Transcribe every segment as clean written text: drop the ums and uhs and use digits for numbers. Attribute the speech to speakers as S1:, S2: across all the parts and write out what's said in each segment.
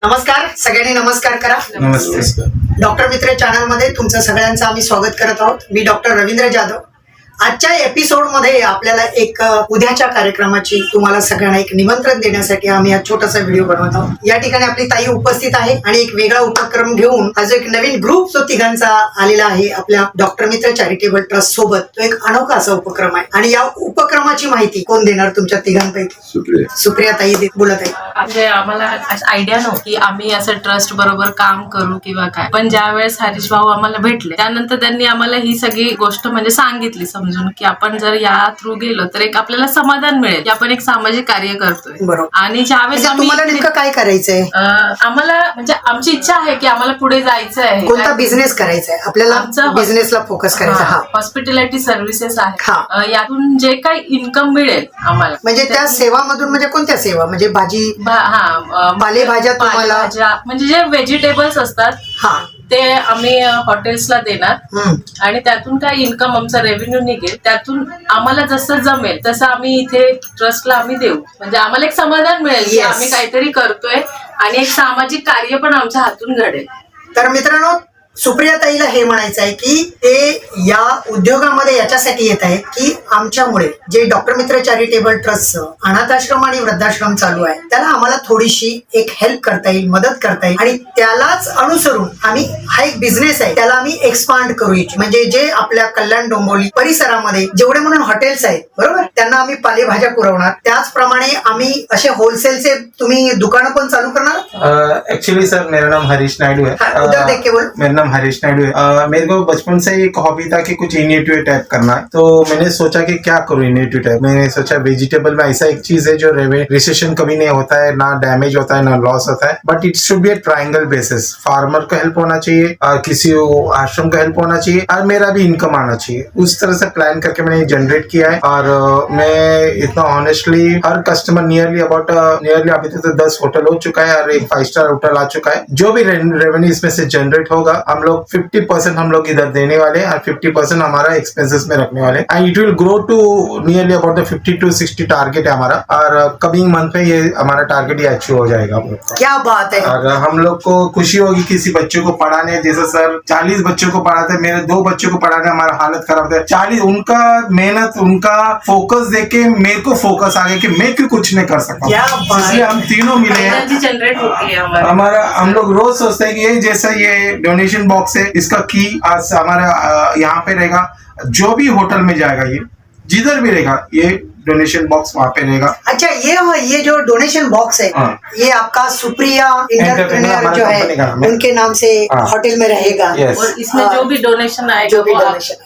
S1: नमस्कार सगळ्यांनी नमस्कार करा.
S2: नमस्ते.
S1: डॉक्टर मित्र चॅनल मध्ये तुमचं सगळ्यांचं आम्ही स्वागत करत आहोत. मी डॉक्टर रवींद्र जाधव. आजच्या एपिसोड मध्ये आपल्याला एक उद्याच्या कार्यक्रमाची तुम्हाला सगळ्यांना एक निमंत्रण देण्यासाठी आम्ही हा छोटासा व्हिडिओ बनवत आहोत. या ठिकाणी आपली ताई उपस्थित आहे आणि एक वेगळा उपक्रम घेऊन हा जो एक नवीन ग्रुप जो तिघांचा आलेला आहे आपल्या डॉक्टर मित्र चॅरिटेबल ट्रस्ट सोबत, तो एक अनोखा असा उपक्रम आहे. आणि या उपक्रमाची माहिती कोण देणार तुमच्या तिघांपैकी? सुप्रिया ताई बोलत आहे.
S3: म्हणजे आम्हाला आयडिया नव्हती आम्ही असं ट्रस्ट बरोबर काम करू किंवा काय, पण ज्या वेळेस हरीश भाऊ आम्हाला भेटले त्यानंतर त्यांनी आम्हाला ही सगळी गोष्ट म्हणजे सांगितली समजून की आपण जर या थ्रू गेलो तर एक आपल्याला समाधान मिळेल की आपण एक सामाजिक कार्य करतोय.
S1: बरोबर.
S3: आणि ज्यावेळेस
S1: तुम्हाला नेमकं काय करायचंय?
S3: आम्हाला म्हणजे आमची इच्छा आहे की आम्हाला पुढे जायचं आहे.
S1: कोणता बिझनेस करायचा आहे आपल्याला? बिझनेसला फोकस करायचा. हा,
S3: हॉस्पिटॅलिटी सर्व्हिसेस आहे. यातून जे काही इन्कम मिळेल आम्हाला,
S1: म्हणजे त्या सेवामधून, म्हणजे कोणत्या सेवा? म्हणजे भाजी पालेभाज्या तुम्हाला,
S3: म्हणजे जे व्हेजिटेबल्स असतात
S1: हा
S3: ते आम्ही हॉटेल्सला देणार आणि त्यातून काय इन्कम आमचा रेव्हेन्यू निघेल त्यातून आम्हाला जसं जमेल तसं आम्ही इथे ट्रस्टला आम्ही देऊ. म्हणजे आम्हाला एक समाधान मिळेल की आम्ही काहीतरी करतोय आणि एक सामाजिक कार्य पण आमच्या हातून घडेल.
S1: तर मित्रांनो, सुप्रिया ताईला हे म्हणायचं आहे की ते या उद्योगामध्ये याच्यासाठी येत आहेत की आमच्यामुळे जे डॉक्टर मित्र चॅरिटेबल ट्रस्ट अनाथाश्रम आणि वृद्धाश्रम चालू आहे त्याला आम्हाला थोडीशी एक हेल्प करता येईल, मदत करता येईल आणि त्यालाच अनुसरून आम्ही हा एक बिझनेस आहे त्याला आम्ही एक्सपांड करू इच्छितो. म्हणजे जे आपल्या कल्याण डोंबिवली परिसरामध्ये जेवढे म्हणून हॉटेल्स आहेत, बरोबर, त्यांना आम्ही पालेभाज्या पुरवणार. त्याचप्रमाणे आम्ही असे होलसेलचे तुम्ही दुकानं पण चालू करणार.
S2: एक्चुअली सर मेरा नाम हरीश नायडू है.
S1: उधर देख के बोलो.
S2: मेरा नाम हरीश नायडू है. मेरे को बचपन से एक हॉबी था कि कुछ इनिएटिव टाइप करना है, तो मैंने सोचा कि क्या करूँ इनिएटिव टाइप. मैंने सोचा वेजिटेबल में ऐसा एक चीज है जो रिसेशन कभी नहीं होता है, ना डैमेज होता है ना लॉस होता है, but it should be a triangle basis. Farmer को हेल्प होना चाहिए, किसी आश्रम को हेल्प होना चाहिए और मेरा भी इनकम आना चाहिए. उस तरह से प्लान करके मैंने जनरेट किया है. और मैं इतना ऑनेस्टली हर कस्टमर नियरली अभी तक तो 10 होटल हो चुका है और एक 5 स्टार होटल आ चुका है. जो भी रेवेन्यू इसमें से जनरेट होगा हम लोग 50% हम लोग इधर देने वाले और 50% हमारा एक्सपेंसेस में रखने वाले. And it will grow to nearly about the 50 to 60 target है हमारा. और कमिंग मंथ में ये हमारा टारगेट ये अचीव हो जाएगा.
S1: क्या बात है.
S2: और हम लोग को खुशी होगी किसी बच्चों को पढ़ाने, जैसे सर 40 बच्चों को पढ़ाते, मेरे 2 बच्चों को पढ़ाने हमारा हालत खराब है. 40 उनका मेहनत, उनका फोकस देके मेरे को फोकस आ गया कि मैं क्यों कुछ नहीं कर सकता. इसलिए हम तीनों मिले हैं.
S3: जनरेट होती है
S2: हमारा. हम लोग रोज सोचते हैं कि ये जैसा ये डोनेशन बॉक्स है इसका की आज हमारा यहाँ पे रहेगा. जो भी होटल में जाएगा, ये जिधर भी रहेगा, ये डोनेशन बॉक्स वहाँ पे रहेगा.
S1: अच्छा, ये जो डोनेशन बॉक्स है ये आपका सुप्रिया एंटरप्रेन्योर जो है उनके नाम से होटल में रहेगा.
S3: और इसमें जो भी डोनेशन आएगा,
S1: जो भी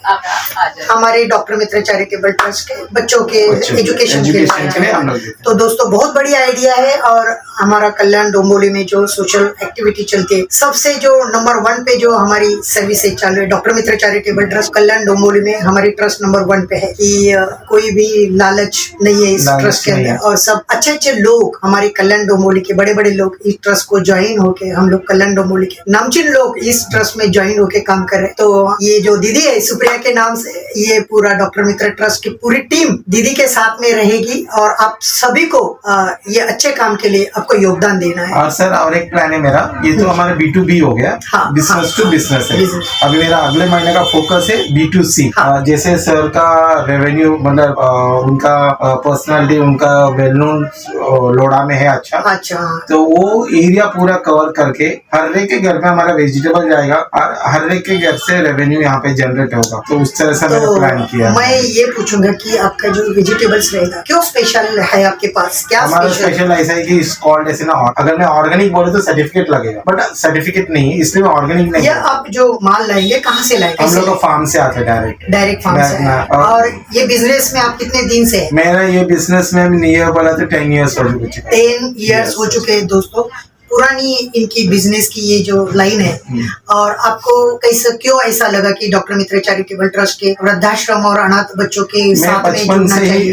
S1: डोनेशन हमारे डॉक्टर मित्र चैरिटेबल ट्रस्ट के बच्चों के एजुकेशन के लिए. तो दोस्तों, बहुत बड़ी आइडिया है. और हमारा कल्याण डोंबिवली में जो सोशल एक्टिविटी चलती है, सबसे जो नंबर 1 पे जो हमारी सर्विसेज चालू है डॉक्टर मित्र चैरिटेबल ट्रस्ट कल्याण डोंबिवली में, हमारी ट्रस्ट नंबर 1 पे है कि कोई भी लालच नहीं है इस ट्रस्ट के अंदर. और सब अच्छे अच्छे लोग हमारे कल्याण डोंबिवली के बड़े लोग इस ट्रस्ट को ज्वाइन होके, हम लोग कल्याण डोंबिवली के नामचीन लोग इस ट्रस्ट में ज्वाइन होके काम कर रहे हैं. तो ये जो दीदी है सुप्रिया के नाम से, ये पूरा डॉक्टर मित्र ट्रस्ट की पूरी टीम दीदी के साथ में रहेगी और आप सभी को ये अच्छे काम के लिए आपको योगदान देना है.
S2: और सर और एक प्लान है मेरा, ये तो हमारा B2B हो गया, बिजनेस टू बिजनेस है. अभी मेरा अगले महीने का फोकस है B2C. जैसे सर का रेवेन्यू, मतलब उनका पर्सनालिटी, उनका वेल नोन लोड़ा में है. अच्छा, तो वो एरिया पूरा कवर करके हर एक के घर में हमारा वेजिटेबल जाएगा और हर एक के घर से रेवेन्यू यहाँ पे जनरेट होगा. तो उस तरह से मैंने प्लान किया.
S1: मैं ये पूछूंगा कि आपका जो वेजिटेबल्स रहेगा क्यों स्पेशल है आपके पास? क्या
S2: हमारा स्पेशल ऐसा है कि कॉल्ड ऐसे ना, अगर मैं ऑर्गेनिक बोले तो सर्टिफिकेट लगेगा, बट सर्टिफिकेट नहीं है, इसलिए मैं ऑर्गेनिक नहीं.
S1: आप जो माल लाएंगे कहाँ से लाएंगे?
S2: हम लोग फार्म से आते हैं,
S1: डायरेक्ट फार्म से. और ये बिजनेस में आप कितने दिन से?
S2: मेरा ये बिजनेस में नियर बोला तो 10 years हो चुके.
S1: 10 years हो चुके हैं दोस्तों. पुरानी इनकी बिजनेस की ये जो लाइन है. और आपको कैसे, क्यों ऐसा लगा कि डॉक्टर मित्र चैरिटेबल ट्रस्ट के वृद्धाश्रम और अनाथ बच्चों के साथ में जुड़ना चाहिए?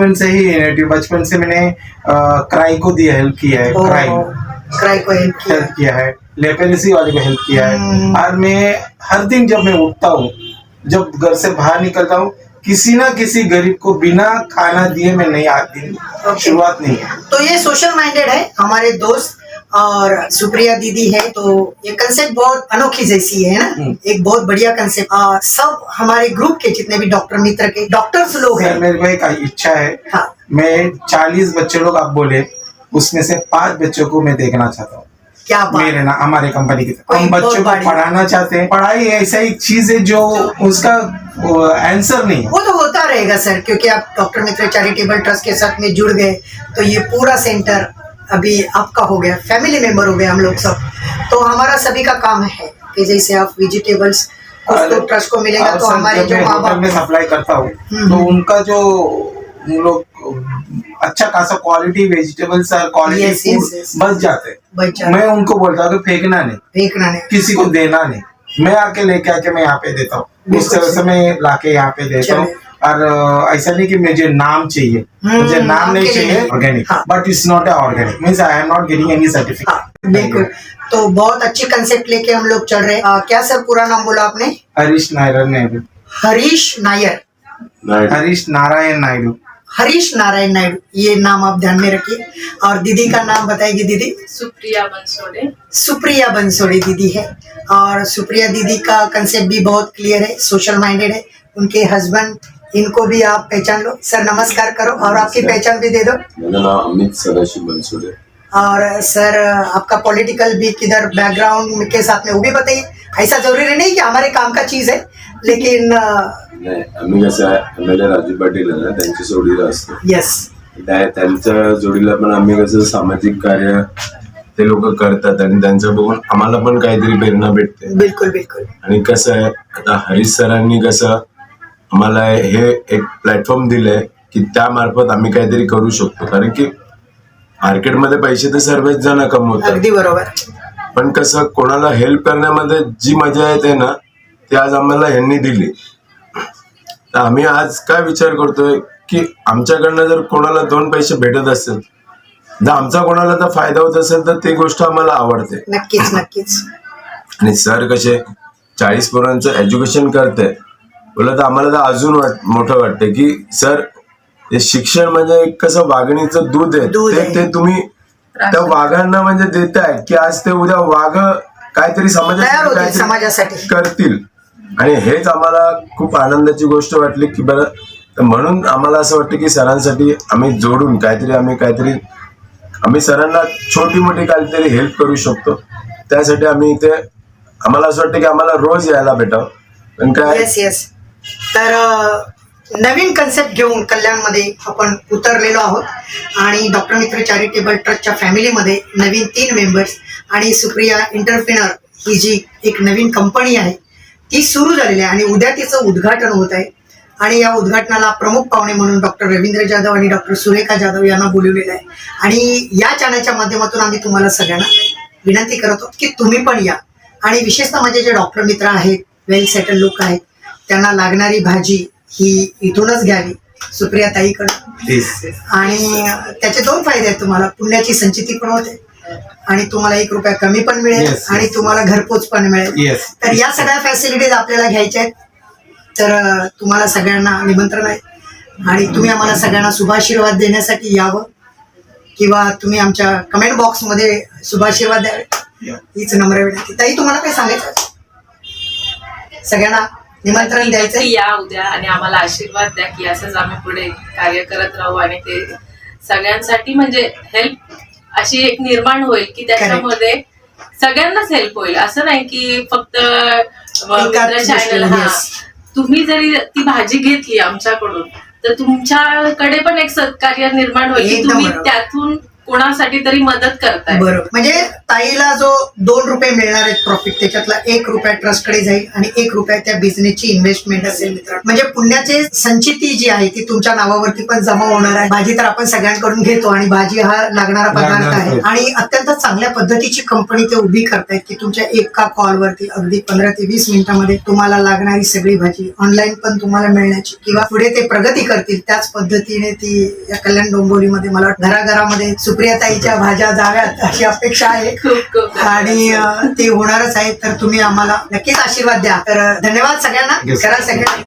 S2: बचपन से मैंने क्राई को दी हेल्प किया है.
S1: क्राई को हेल्प
S2: किया है, लेपेरेसी वाले को हेल्प किया है. और मैं हर दिन जब मैं उठता हूँ, जब घर से बाहर निकलता हूँ, किसी ना किसी गरीब को बिना खाना दिए मैं नहीं आती. शुरुआत नहीं है.
S1: तो ये सोशल माइंडेड है हमारे दोस्त और सुप्रिया दीदी है, तो ये कंसेप्ट बहुत अनोखी जैसी है ना, एक बहुत बढ़िया कंसेप्ट। सब हमारे ग्रुप के जितने भी डॉक्टर मित्र के डॉक्टर्स लोग हैं।
S2: मेरे को एक इच्छा है,
S1: हाँ।
S2: मैं 40 बच्चे लोग आप बोले, उसमें से 5 बच्चों को मैं देखना चाहता हूँ।
S1: क्या बात,
S2: मेरे ना हमारे कंपनी की
S1: कोई
S2: हम बच्चों को
S1: बहुत बड़ी-
S2: पढ़ाना चाहते हैं। पढ़ाई ऐसा एक चीज है जो उसका आंसर नहीं है।
S1: वो तो होता रहेगा सर, क्योंकि आप डॉक्टर मित्र चैरिटेबल ट्रस्ट के साथ में जुड़ गए, तो ये पूरा सेंटर अभी आपका हो गया, फैमिली मेंबर हो गए हम लोग सब। तो हमारा सभी का काम है कि जैसे आप वेजिटेबल्स कुछ तो ट्रस्ट को मिलेगा,
S2: और
S1: तो
S2: सर,
S1: हमारे
S2: जब
S1: जो
S2: मैं
S1: माँ
S2: होटल
S1: बाप
S2: में सप्लाई करता हूँ तो उनका जो उन लोग अच्छा खासा क्वालिटी वेजिटेबल्स और quality
S1: Yes, yes,
S2: food
S1: yes.
S2: बच जाते हैं।
S1: बच जाते।
S2: मैं उनको बोलता हूँ कि फेंकना नहीं,
S1: फेंकना नहीं।
S2: किसी को देना नहीं, मैं आके लेके आके मैं यहाँ पे देता हूँ। उस
S1: बिल्कुल
S2: तरह से मैं लाके यहाँ पे देता हूँ।
S1: चलिए।
S2: और ऐसा नहीं कि मुझे नाम चाहिए, मुझे नाम
S1: नाम
S2: नहीं
S1: के लिए
S2: चाहिए
S1: नहीं।
S2: ऑर्गेनिक,
S1: हाँ।
S2: But it's not a organic means I am not getting any
S1: हाँ,
S2: सर्टिफिकेट।
S1: बिल्कुल। तो बहुत अच्छी कंसेप्ट लेके हम लोग चल रहे हैं। क्या सर पूरा नाम बोला आपने?
S2: हरीश नारायण नायडू।
S1: हरीश नायर,
S2: हरीश नारायण नायडू।
S1: हरीश नारायण नायडू, ये नाम आप ध्यान में रखिए। और दीदी का नाम बताएगी दीदी?
S3: सुप्रिया बनसोडे।
S1: सुप्रिया बंसोड़ी दीदी है। और सुप्रिया दीदी का कंसेप्ट भी बहुत क्लियर है, सोशल माइंडेड है। उनके हस्बैंड, इनको भी आप पहचान लो। सर नमस्कार करो और आपकी पहचान भी दे दो।
S4: मेरा नाम अमित सदाशिव बनसोडे।
S1: और सर आपका पॉलिटिकल भी किधर बैकग्राउंड के साथ में वो भी बताइए। ऐसा जरूरी नहीं कि हमारे काम का चीज है, लेकिन
S4: नाही आम्ही कसं आहे MLA राजू पाटील आहे ना त्यांच्या जोडीला असतो.
S1: यस,
S4: त्यांच्या जोडीला पण आम्ही कसं सामाजिक कार्य ते लोक करतात आणि त्यांचं बघून आम्हाला पण काहीतरी प्रेरणा भेटते.
S1: बिल्कुल बिल्कुल।
S4: आणि कसं आहे आता हरीश सरांनी कसं आम्हाला हे एक प्लॅटफॉर्म दिलंय की त्यामार्फत आम्ही काहीतरी करू शकतो. कारण की मार्केटमध्ये पैसे तर सर्वच जण कमवतात,
S1: अगदी बरोबर।
S4: पण कसं कोणाला हेल्प करण्यामध्ये जी मजा येते ना ती आज आम्हाला ह्यांनी दिली. तर आम्ही आज काय विचार करतोय की आमच्याकडनं जर कोणाला 2 पैसे भेटत असेल, जर आमचा कोणाला तर फायदा होत असेल तर ती गोष्ट आम्हाला आवडते.
S1: नक्कीच नक्कीच।
S4: आणि सर कसे 40 पोरांचं एज्युकेशन करते बोलत आम्हाला तर अजून मोठं वाटतं की सर हे शिक्षण म्हणजे एक कसं वाघणीचं दूध आहे,
S1: दूध आहे.
S4: ते तुम्ही त्या वाघांना म्हणजे देताय की आज ते उद्या वाघ काहीतरी
S1: तयार होतील
S4: काहीतरी
S1: समाजासाठी।
S4: करतील. आणि हेच आम्हाला खूप आनंदाची गोष्ट वाटली की बरं, तर म्हणून आम्हाला असं वाटतं की सरांसाठी आम्ही जोडून आम्ही सरांना छोटी मोठी काहीतरी हेल्प करू शकतो. त्यासाठी आम्ही इथे आम्हाला असं वाटतं की आम्हाला रोज यायला भेटावं. पण काय
S1: येस येस। तर नवीन कन्सेप्ट घेऊन कल्याणमध्ये आपण उतरलेलो आहोत आणि डॉक्टर मित्र चॅरिटेबल ट्रस्टच्या फॅमिलीमध्ये नवीन 3 मेंबर्स आणि सुप्रिया एंटरप्रेनर ही जी एक नवीन कंपनी आहे ती सुरू झालेली आहे आणि उद्या तिचं उद्घाटन होत आहे. आणि या उद्घाटनाला प्रमुख पाहुणे म्हणून डॉक्टर रवींद्र जाधव आणि डॉक्टर सुरेखा जाधव यांना बोलवलेलं आहे. आणि या चॅनलच्या माध्यमातून आम्ही तुम्हाला सगळ्यांना विनंती करत आहोत की तुम्ही पण या. आणि विशेषतः माझे जे डॉक्टर मित्र आहेत, वेल सेटल लोक आहेत, त्यांना लागणारी भाजी ही इथूनच घ्यावी सुप्रिया ताईकडे. आणि त्याचे 2 फायदे आहेत तुम्हाला. पुण्याची संचिती पण होते आणि तुम्हाला 1 रुपया कमी पण मिळेल
S2: Yes,
S1: आणि तुम्हाला घरपोच पण मिळेल.
S2: Yes.
S1: तर या सगळ्या फॅसिलिटीज आपल्याला घ्यायच्या आहेत. तर तुम्हाला सगळ्यांना निमंत्रण आहे आणि तुम्ही आम्हाला सगळ्यांना शुभाशीर्वाद देण्यासाठी यावं किंवा तुम्ही आमच्या कमेंट बॉक्समध्ये शुभाशीर्वाद द्यावे हीच नम्र विनंती. ताई तुम्हाला काय सांगायचं आहे? सगळ्यांना निमंत्रण द्यायचं
S3: नक्की या उद्या आणि आम्हाला आशीर्वाद द्या की असंच आम्ही पुढे कार्य करत राहू आणि ते सगळ्यांसाठी म्हणजे हेल्प अशी एक निर्माण होईल की त्याच्यामध्ये सगळ्यांनाच हेल्प होईल. असं नाही की फक्त मित्र चॅनल. हा, तुम्ही जरी ती भाजी घेतली आमच्याकडून तर तुमच्याकडे पण एक सत्कार्य निर्माण होईल की
S1: एकदम
S3: तुम्ही
S1: बरोबर.
S3: त्यातून कोणासाठी तरी मदत करताय.
S1: बरोबर. म्हणजे ताईला जो 2 रुपये मिळणार आहेत प्रॉफिट, त्याच्यातला 1 रुपया ट्रस्टकडे जाईल आणि 1 रुपया त्या बिझनेसची इन्व्हेस्टमेंट असेल. मित्रांनो, म्हणजे पुण्याची संचिती जी आहे ती तुमच्या नावावरती पण जमा होणार आहे. भाजी तर आपण सगळ्यांकडून घेतो आणि भाजी हा लागणारा पदार्थ आहे आणि अत्यंत चांगल्या पद्धतीची कंपनी ते उभी करतायत की तुमच्या एका कॉलवरती अगदी 15 ते 20 मिनिटांमध्ये तुम्हाला लागणारी सगळी भाजी ऑनलाईन पण तुम्हाला मिळण्याची किंवा पुढे ते प्रगती करतील त्याच पद्धतीने ती या कल्याण डोंबिवलीमध्ये मला घराघरामध्ये सुप्रियाताईच्या भाज्या जाव्यात अशी अपेक्षा आहे
S3: खूप
S1: आणि ते होणारच आहे. तर तुम्ही आम्हाला नक्कीच आशीर्वाद द्या. तर धन्यवाद सगळ्यांना. करा सगळ्यांना.